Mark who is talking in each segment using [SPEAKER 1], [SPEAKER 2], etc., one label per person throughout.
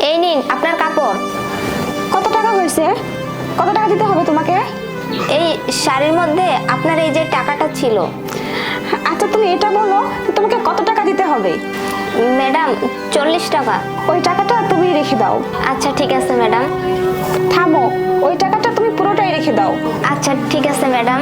[SPEAKER 1] এই নিন আপনার কাপড়।
[SPEAKER 2] কত টাকা হয়েছে? কত টাকা দিতে হবে তোমাকে?
[SPEAKER 1] এই শাড়ির মধ্যে আপনার এই যে টাকাটা ছিল।
[SPEAKER 2] আচ্ছা তুমি এটা বলো তোমাকে কত টাকা দিতে হবে?
[SPEAKER 1] ম্যাডাম 40 টাকা।
[SPEAKER 2] ওই টাকাটা তুমি রেখে দাও।
[SPEAKER 1] আচ্ছা ঠিক আছে ম্যাডাম।
[SPEAKER 2] থামো, ওই টাকাটা তুমি পুরোটাই রেখে দাও।
[SPEAKER 1] আচ্ছা ঠিক আছে ম্যাডাম।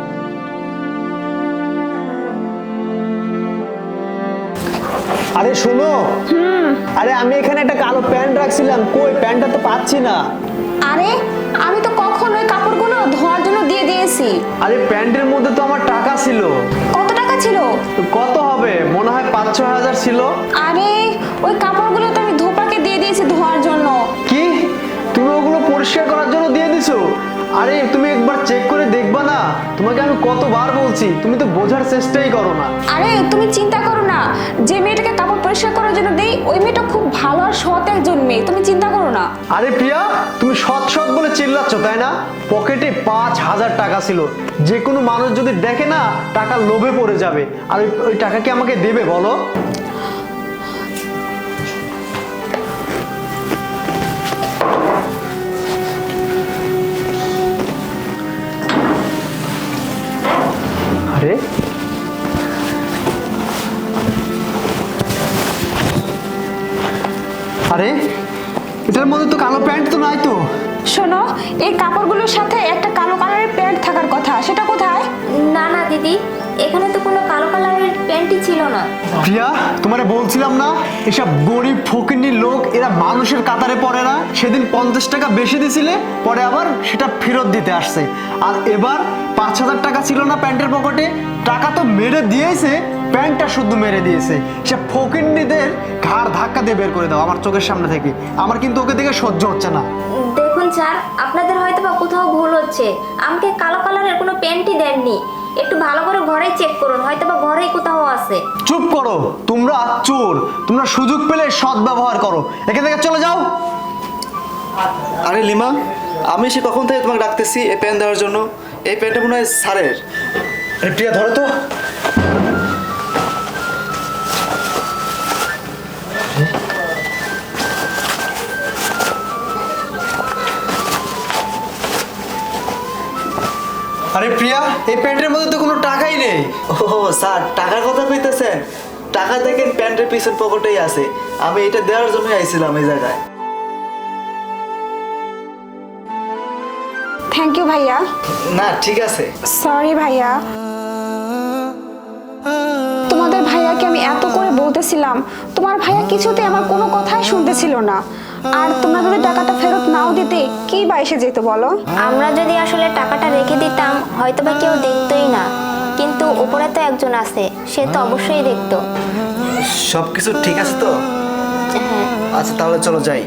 [SPEAKER 3] আরে শোনো, আরে আমি এখানে একটা কালো প্যান্ট রাখছিলাম, কই প্যান্টটা তো পাচ্ছি না।
[SPEAKER 2] আরে আমি তো কখন ওই কাপড়গুলো ধোয়ার জন্য দিয়ে দিয়েছি।
[SPEAKER 3] আরে প্যান্টের মধ্যে তো আমার টাকা ছিল।
[SPEAKER 2] কত টাকা ছিল?
[SPEAKER 3] কত হবে, মনে হয় 5-6 হাজার ছিল।
[SPEAKER 2] আরে ওই কাপড়গুলো তো আমি ধোপাকে দিয়ে দিয়েছি ধোয়ার জন্য।
[SPEAKER 3] কি, তুমি ওগুলো পরিষ্কার করার জন্য দিয়ে দিছো? আরে তুমি একবার চেক করে দেখবা না? তোমাকে আমি কতবার বলছি, তুমি তো বোঝার চেষ্টাই করো না।
[SPEAKER 2] আরে তুমি চিন্তা করো না, যে মেয়েটাকে কাপড় পরিষ্কার করার জন্য দেই ওই মেয়েটা খুব ভালো আর সৎ একজন মেয়ে, তুমি চিন্তা করো না।
[SPEAKER 3] আরে প্রিয়া, তুমি সৎ সৎ বলে চিল্লাচ্ছ তাই না? পকেটে 5,000 টাকা ছিল, যে কোনো মানুষ যদি দেখে না টাকা লোভে পড়ে যাবে। আর ওই টাকা কি আমাকে দেবে বলো? আরে আরে এটার মধ্যে তো কালো প্যান্ট তো নাই তো।
[SPEAKER 2] শোনো, এই কাপড়গুলোর সাথে একটা কালো কালারের প্যান্ট থাকার কথা, সেটা কোথায়?
[SPEAKER 1] না না দিদি, এখানে তো কোনো কালো কালারের প্যান্টই ছিল না।
[SPEAKER 3] প্রিয়া, তোমারে বলছিলাম না এসব গরিব ফকিন্নি লোক এরা মানুষের কাতারে পড়ে না। সেদিন 50 টাকা বেশি দিছিলে, পরে আবার সেটা ফেরত দিতে আসছে। আর এবার 5,000 টাকা ছিল না প্যান্টের পকেটে, টাকা তো মেরে দিয়েছে, প্যান্টটা শুদ্ধ মেরে দিয়েছে। সে ফকিন্নিদের ঘাড় ধাক্কা দিয়ে বের করে দাও আমার চোখের সামনে থেকে। আমার কিন্তু ওকে দেখে সহ্য হচ্ছে না।
[SPEAKER 1] দেখুন স্যার, আপনাদের হয়তো বা কোথাও ভুল হচ্ছে। আমাকে কালো কালারের কোনো প্যান্টই দেননি। একটু ভালো করে ঘরে চেক করুন, হয়তো বা ঘরেই কোথাও আছে।
[SPEAKER 3] চুপ করো, তোমরা চোর, তোমরা সুযোগ পেলে সৎ ব্যবহার করো, এখান থেকে চলে যাও।
[SPEAKER 4] আরে লিমা, আমি সে কখন থেকে তোমাকে ডাকতেছি এই প্যান্ট দেওয়ার জন্য। এই প্যান্টটা মনে হয় স্যারের।
[SPEAKER 3] আরে প্রিয়া ধরো তো। আরে প্রিয়া, এই প্যান্টের মধ্যে তো কোনো টাকাই নেই।
[SPEAKER 4] ও স্যার, টাকার কথা কইতেছেন? টাকা দেখেন প্যান্টের পিছন পকেটেই আছে। আমি এটা দেওয়ার জন্যই আইছিলাম এই জায়গায়।
[SPEAKER 2] থ্যাংক ইউ ভাইয়া।
[SPEAKER 4] না ঠিক আছে।
[SPEAKER 2] সরি ভাইয়া, তোমাদের ভাইয়াকে আমি এত করে বলতেছিলাম, তোমার ভাইয়া কিছুতে আমার কোনো কথাই শুনতেছিল না। আর তোমরা যদি টাকাটা ফেরত নাও দিতে কি বা এসে যেত বলো?
[SPEAKER 1] আমরা যদি আসলে টাকাটা রেখে দিতাম হয়তো বা কেউ দেখতোই না, কিন্তু উপরে তো একজন আছে, সে তো অবশ্যই দেখতো।
[SPEAKER 4] সব কিছু ঠিক আছে তো?
[SPEAKER 1] হ্যাঁ।
[SPEAKER 4] আচ্ছা তাহলে চলো যাই।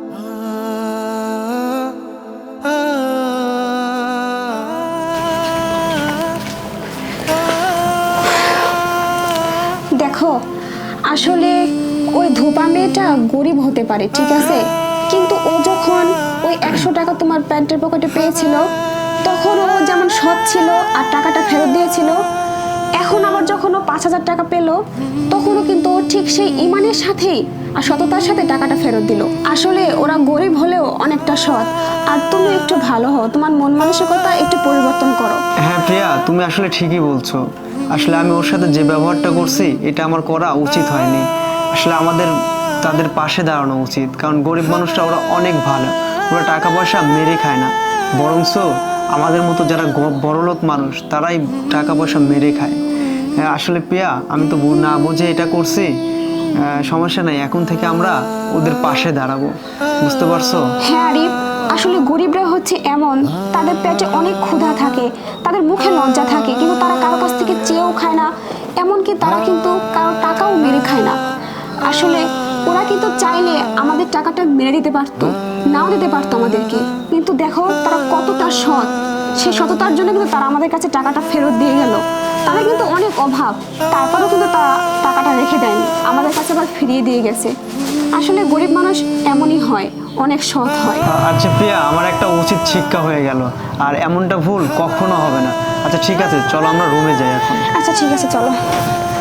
[SPEAKER 2] দেখো, আসলে ওই ধোপা মেয়েটা গরিব হতে পারে, ঠিক আছে, কিন্তু ও যখন ওই 100 টাকা তোমার প্যান্টের পকেটে পেয়েছিল তখন ও যেমন সৎ ছিল আর টাকাটা ফেরত দিয়েছিল। এখন আবার যখন ও 5,000 টাকা পেলো তখনও কিন্তু ও ঠিক সেই ইমানের সাথেই আর সততার সাথে টাকাটা ফেরত দিল। আসলে ওরা গরিব হলেও অনেকটা সৎ। আর তুমি একটু ভালো হও, তোমার মন মানসিকতা একটু পরিবর্তন করো।
[SPEAKER 3] হ্যাঁ প্রিয়া, তুমি আসলে ঠিকই বলছো। আসলে আমি ওর সাথে যে ব্যবহারটা করছি এটা আমার করা উচিত হয়নি। আসলে আমাদের তাদের পাশে দাঁড়ানো উচিত, কারণ গরিব মানুষরা ওরা অনেক ভালো, ওরা টাকা পয়সা মেরে খায় না, বরঞ্চ আমাদের মতো যারা বড়লোক মানুষ তারাই টাকা পয়সা মেরে খায়। হ্যাঁ আসলে প্রিয়া, আমি তো না বুঝে এটা করছি। সমস্যা নাই, এখন থেকে আমরা ওদের পাশে দাঁড়াবো, বুঝতে পারছো?
[SPEAKER 2] হ্যাঁ আরিফ, আসলে গরিবরা হচ্ছে এমন, তাদের পেটে অনেক ক্ষুধা থাকে, তাদের মুখে লজ্জা থাকে, কিন্তু তারা কারো কাছ থেকে চেয়েও খায় না, এমনকি তারা কিন্তু কারো টাকাও মেরে খায় না। আসলে ওরা কিন্তু চাইলে আমাদের টাকাটা মেরে দিতে পারতো, নাও দিতে পারতো আমাদেরকে, কিন্তু দেখো তারা কতটা সৎ। সেই সততার জন্য কিন্তু তারা আমাদের কাছে টাকাটা ফেরত দিয়ে গেল। তারা কিন্তু অনেক অভাব, তারপরেও কিন্তু তারা টাকাটা রেখে দেয়নি, আমাদের কাছে আবার ফিরিয়ে দিয়ে গেছে। আসলে গরিব মানুষ এমনই হয়, অনেক সৎ হয়।
[SPEAKER 3] আচ্ছা প্রিয়া, আমার একটা উচিত শিক্ষা হয়ে গেল, আর এমনটা ভুল কখনো হবে না। আচ্ছা ঠিক আছে, চলো আমরা রুমে যাই এখন।
[SPEAKER 2] আচ্ছা ঠিক আছে, চলো।